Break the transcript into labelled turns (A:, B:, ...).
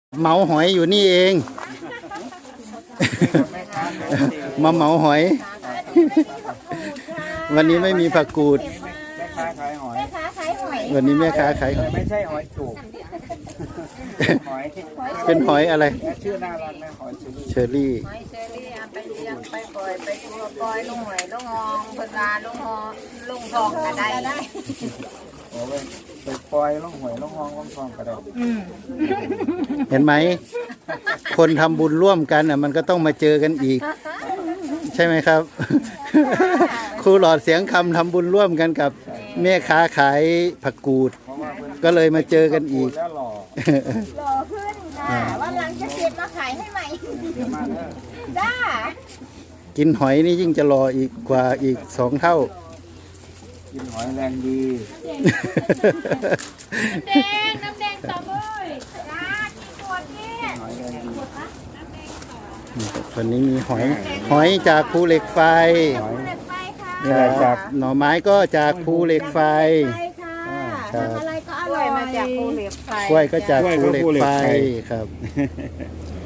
A: เหมาหอยอยู่นี่เอง มาเหมาหอย วันนี้ไม่มีผักกูด
B: แม่ค้าขายหอย
C: แม่ค้าขายหอย
A: วันนี้แม่ค้าขายหอย
B: ไม่ใช่หอยจูบหอย
A: เป็นหอยอะไร
B: ชื่อน่ารักนะหอยเชอรี่
A: เชอรี่
C: หอยเชอรี่เอาไปเลี้ยงไปปล่อยไปตัวปล่อยลงหอยลงหองเพิ่นว่าลงหอลงทองก็ได้
B: โอ้ไปปล่อยล่องหอยล่องห้องล่องทองก็ได้
A: เห็นไหม คนทำบุญร่วมกันมันก็ต้องมาเจอกันอีก ใช่ไหมครับ ครูหลอดเสียงคำทำบุญร่วมกันกับแม่ค้าขายผักกูด
B: เพราะว่าเพิ่น
A: ก็เลยมาเจอกันอีก
B: แล้วหล่อ
C: หล่อขึ้นค่ะวันหลังจะเก็บมาขายให้ใหม่
B: เดี๋ยวมาเด้อ
C: จ้า
A: กินหอยนี่ยิ่งจะรออีกกว่าอีก2 เท่า
B: กินหอยแรงดี
C: น้ำแดงต่อเลยจ้ากินตัวนี้
B: หอยแรงดี
A: วันนี้มีหอยจากภูเหล็กไฟ
B: หอย
C: เด็ดไปค่ะ
B: นี่แหละจาก
A: หน่อไม้ก็จากภูเหล็กไฟ
C: ไปค่ะ
A: ครับ
C: ทำอะไรก็อร่อยมาจากภูเหล็กไฟ
A: กล้วยก็จากภูเหล็กไฟครับ